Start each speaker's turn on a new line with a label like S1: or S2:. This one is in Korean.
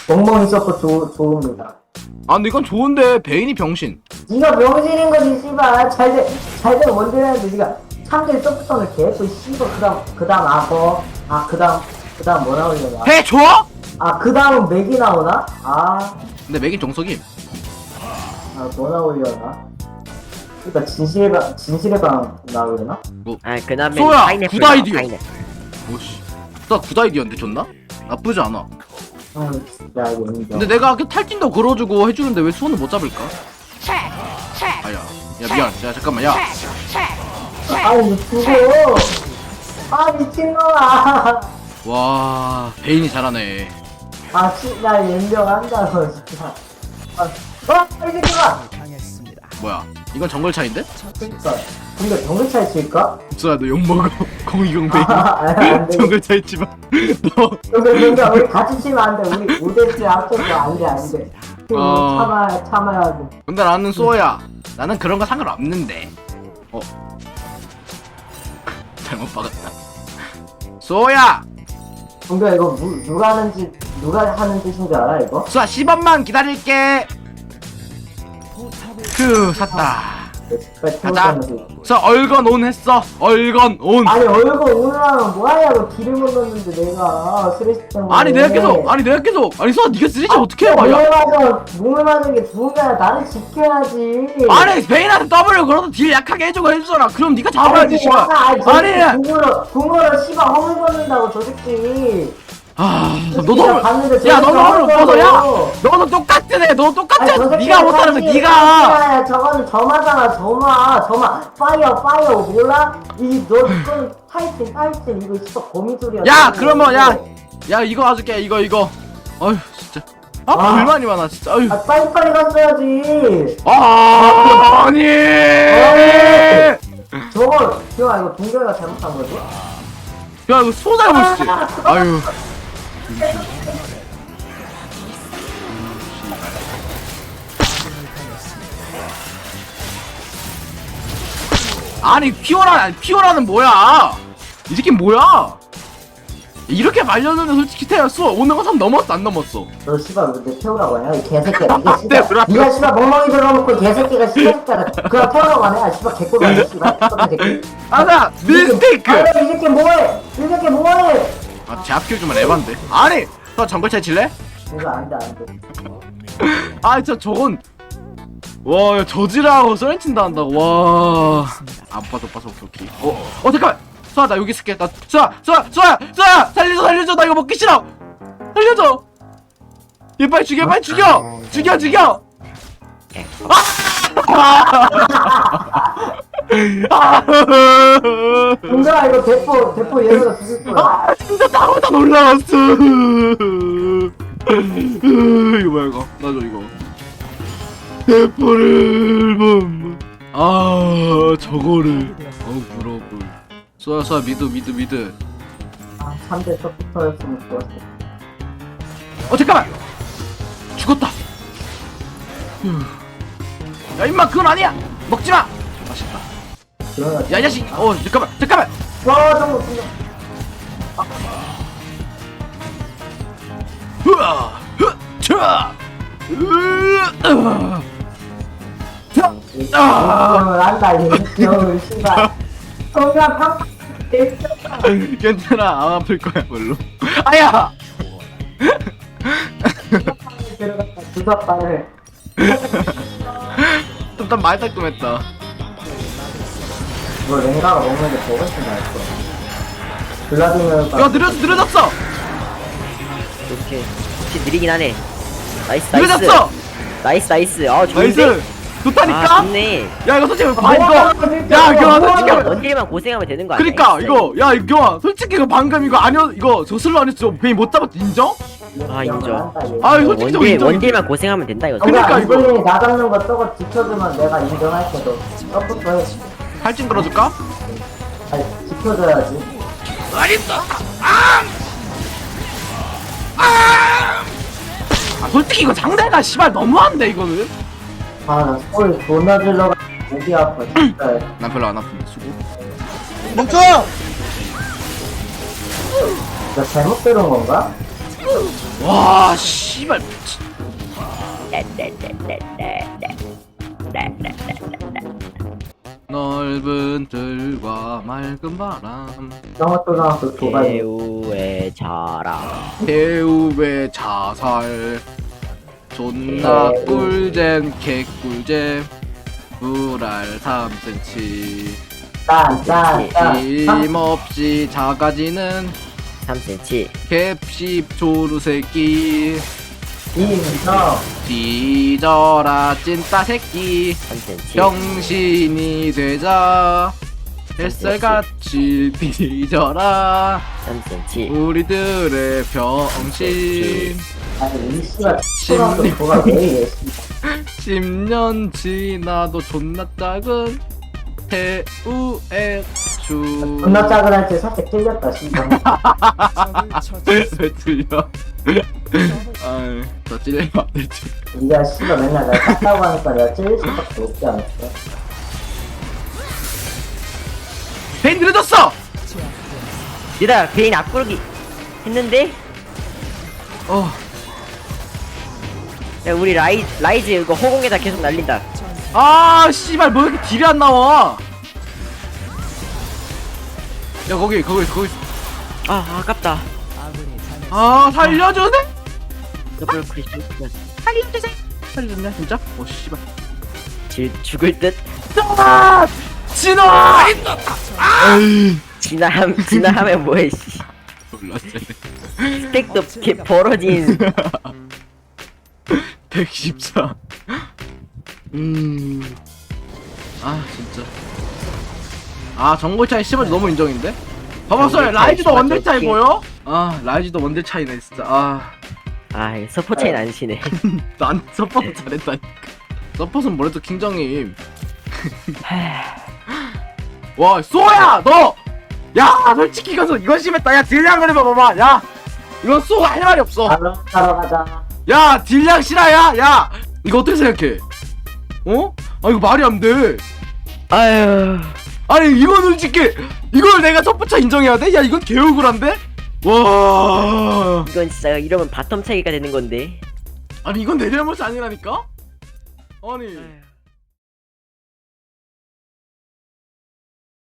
S1: 멍멍이 서포 좋습니다.
S2: 아 근데 이건 좋은데 베인이 병신.
S1: 니가 병신인 거지 씨발. 잘된 원딜하는데 니가 참길 서포터를 개고 씨발. 그다음 악어. 그다음 뭐 나오려나?
S2: 해줘?
S1: 그 다음은 맥이 나오나?
S2: 근데 맥이 정석임.
S1: 뭐 나오려나? 그니까 진실의 방 나오려나?
S3: 그 다음에
S2: 소야,
S3: 파인애플
S2: 굿 아이디어.
S3: 파인애플.
S2: 오씨. 나 굿 아이디어인데 좋나? 나쁘지 않아.
S1: 야 이거 인정.
S2: 근데 내가 그 탈진도 걸어주고 해주는데 왜 수원을 못 잡을까? 아야. 야 미안. 야 잠깐만. 야.
S1: 아니 죽어. 미친놈아.
S2: 와 베인이 잘하네.
S1: 나 인정한다고 진짜. 이 새끼가.
S2: 뭐야? 이건 정글 차인데?
S1: 그니까. 우리가 정글 차이 칠까?
S2: 수야 너 욕먹어. 02 베인.
S1: 안 돼.
S2: 정글 차 있지만 너.
S1: 근데 우리 같이 치면 안 돼. 우리 5대1 합쳐서 안 돼. 참아야 돼.
S2: 근데 나는 소야. 나는 그런 거 상관없는데. 잘못 박았다. 소야.
S1: 동규야 이거 누가 하는 뜻인 줄 알아 이거?
S2: 수아 10원만 기다릴게. 샀다. 가자. 저 얼건 온 했어. 얼건 온.
S1: 아니 얼굴 오늘하면 뭐하냐고. 딜을 못 넣는데 내가 스트레스 때문에.
S2: 아니 내가 계속. 아니 수아 네가 쓰리지 어떻게 해 봐야.
S1: 몸을 맞은 게 좋은 게 아니라 나를 지켜야지.
S2: 아니 베인한테 W 걸어도 딜 약하게 해주고 해주잖아. 그럼 네가 잡아야지 씨발. 아니.
S1: 궁으로 씨발 허물 벗는다고 저 새끼.
S2: 너도 허물 못 벗어. 야 너도 똑같은 애. 너 똑같아. 네가 못하는 거 네가.
S1: 저거는 점화잖아. 점화 파이어 몰라? 이건 타이틀 이거 진짜 거미줄이야.
S2: 야 그러면 야 이거 가줄게. 이거 어휴 진짜 불만이 많아 진짜. 어휴.
S1: 빨리 갔어야지.
S2: 아니.
S1: 저거 기영아 이거 동경이가 잘못한 거지?
S2: 야 이거 소잘 보시지. 아유. 아니 피오라는 뭐야? 이 새끼 뭐야? 이렇게 말렸는데 솔직히 태웠어. 오늘 거3 넘었어 안 넘었어?
S1: 너 씨발 왜 태우라고 하냐? 이 개새끼야. 니가
S2: 네,
S1: 씨발 니가 씨발 멍멍이 들어놓고 이 개새끼가 씨발새끼야. 그냥 태우라고 하네. 씨발 개꿀 아니야 씨발. 새끼.
S2: 아나 미스테이크.
S1: 이 새끼 뭐해? 이 새끼 뭐해?
S2: 제압 키워주면 에반데. 아니 너 정글차 칠래?
S1: 이거 안돼.
S2: 진짜 저건 와 저지라고 썰렌친다 한다고. 와 아빠도 오케이. 잠깐만. 수아 나 여기 있을게. 나 수아 살려줘. 나 이거 먹기 싫어. 살려줘. 얘 빨리 죽여.
S1: 동경아 이거 대포 얘네가 죽일 거야.
S2: 진짜 나보다 놀라웠어. 이거 뭐야 이거. 나줘 이거. 대포를 저거를 무러워. 수아 미드
S1: 3대 서포터였으면 좋았어.
S2: 잠깐만 죽었다. 야 임마 그건 아니야. 먹지마. 맛있다.
S1: 그러나
S2: 야 이 자식. 잠깐만.
S1: 와 정말 동경. 동경을 한다 이 귀여운 씨발. 동경 팡.
S2: 괜찮아 안 아플 거야 별로. 아야.
S1: 들어갔다 주사발을.
S2: 일단 많이 따끔했다.
S1: 이거 랭가가 먹는 게 더 훨씬 나을 거야. 블라디미르가.
S2: 야 느려졌어.
S3: 오케이. 혹시 느리긴 하네. 나이스.
S2: 느려졌어.
S3: 나이스. 좋은데?
S2: 나이스. 좋다니까.
S3: 좋네.
S2: 야 이거 솔직히 야 경아 솔직히
S3: 원딜만 고생하면 되는 거 아니야?
S2: 그니까 이거 경아 솔직히 이거 방금 이거 아니었 이거 저슬로 안 했어. 베인 못 잡았지 인정?
S3: 인정.
S2: 솔직히 저 인정.
S3: 원딜만 고생하면 된다 이거.
S2: 그러니까 이거.
S1: 이번에 나 잡는 거 저거 지켜주면 내가 인정할게. 너 서포터 해.
S2: 할진 걸어줄까?
S1: 아니 지켜줘야지.
S2: 알겠어. 솔직히 이거 상대가 씨발 너무한데 이거는.
S1: 나 소리 존나 질러가 목이 아파 진짜.
S2: 난 별로 안 아픈데 수고.
S1: 나 잘못 들은 건가?
S2: 와 씨발 미친. 넓은 들과 맑은 바람
S1: 나왔던 도발.
S3: 배우의 자랑.
S2: 배우의 자살 존나 꿀잼 개꿀잼 불알 3cm
S1: 짠.
S2: 힘없이 작아지는
S3: 3cm.
S2: 캡십 조루새끼
S1: 인성.
S2: 뒤져라 찐따 새끼
S3: 3cm.
S2: 병신이 되자 햇살같이 뒤져라
S3: 3cm.
S2: 우리들의 병신
S1: 아니 이 씨발 초등학교 도발 왜 이래?
S2: 10년 지나도 존나 작은 배우의 주
S1: 존나 작은 할때 살짝 찔렸다 씨발.
S2: 왜 틀려? 아이 더 찔리면 안 되지.
S1: 니가 씨발 맨날 날 깠다고 하니까 내가 찔릴 수밖에 없지 않았어?
S2: 베인 느려졌어!
S3: 얘들아 베인 앞구르기 했는데
S2: 어
S3: 야 우리 라이즈 이거 허공에다 계속 날린다.
S2: 아 씨발 뭐 이렇게 딜이 안 나와? 야 거기
S3: 아 아깝다.
S2: 아 살려주네?
S3: 더블 크리스
S2: 살려줬냐 진짜? 오 씨발
S3: 죽을 듯.
S2: 아! 진아! 아이
S3: 진화하면 뭐해 씨.
S2: 몰랐어.
S3: 스택도 개 벌어진.
S2: 114. 아 진짜. 아 정글 차이 씨발 너무 인정인데? 봐봐 쏘야 라이즈도 원딜 차이 보여? 아 라이즈도 원딜 차이네 진짜.
S3: 아 이거 서포 차이는 안 시네.
S2: 난 서포트 잘했다니까. 서포트는 뭐래도 킹정임. 와 쏘야 너! 야 솔직히 이건 심했다. 야 딜량 그래봐 봐봐. 야 이건 쏘가 할 말이 없어.
S1: 따라 가자.
S2: 야 딜량 실화야. 야 이거 어떻게 생각해? 어? 아 이거 말이 안 돼.
S3: 아유
S2: 아니 이건 솔직히 이걸 내가 첫 번째 인정해야 돼? 야 이건 개억울한데? 와
S3: 이건 진짜 이러면 바텀 차이가 되는 건데.
S2: 아니 이건 내 잘못이 아니라니까? 아니